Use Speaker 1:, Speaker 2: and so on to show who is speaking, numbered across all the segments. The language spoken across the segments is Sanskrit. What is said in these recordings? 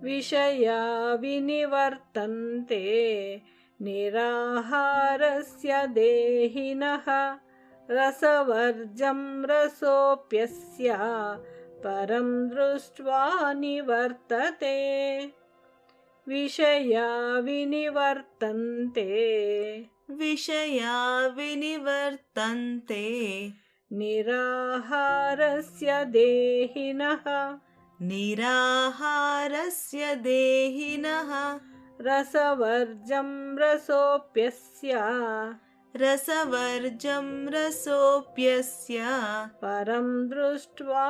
Speaker 1: विषया विनिवर्तन्ते निराहारस्य देहिनः रसवर्जं रसोऽप्यस्य परं दृष्ट्वा निवर्तते विषया विनिवर्तन्ते निराहारस्य देहिनः रसवर्जं रसोऽप्यस्य परं दृष्ट्वा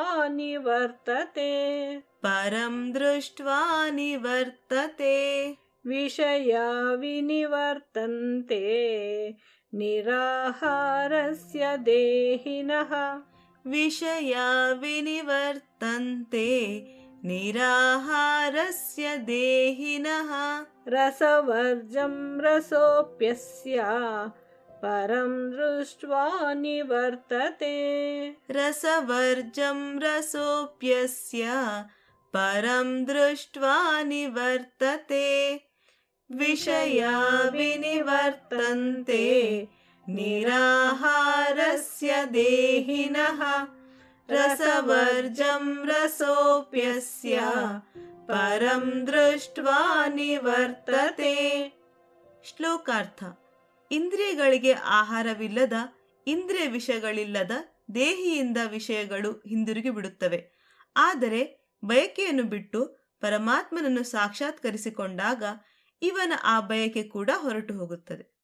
Speaker 1: निवर्तते विषया विनिवर्तन्ते निराहारस्य देहिनः रसवर्जं रसोऽप्यस्य परं दृष्ट्वा निवर्तते विषया विनिवर्तन्ते निराहारस्य देहिनः रसवर्जं रसोऽप्यस्य परं दृष्ट्वा निवर्तते.
Speaker 2: ಶ್ಲೋಕಾರ್ಥ. ಇಂದ್ರಿಯಗಳಿಗೆ ಆಹಾರವಿಲ್ಲದ, ಇಂದ್ರಿಯ ವಿಷಯಗಳಿಲ್ಲದ ದೇಹಿಯಿಂದ ವಿಷಯಗಳು ಹಿಂದಿರುಗಿ ಬಿಡುತ್ತವೆ. ಆದರೆ ಬಯಕೆಯನ್ನು ಬಿಟ್ಟು ಪರಮಾತ್ಮನನ್ನು ಸಾಕ್ಷಾತ್ಕರಿಸಿಕೊಂಡಾಗ ಇವನ ಆ ಬಯಕೆ ಕೂಡ ಹೊರಟು ಹೋಗುತ್ತದೆ.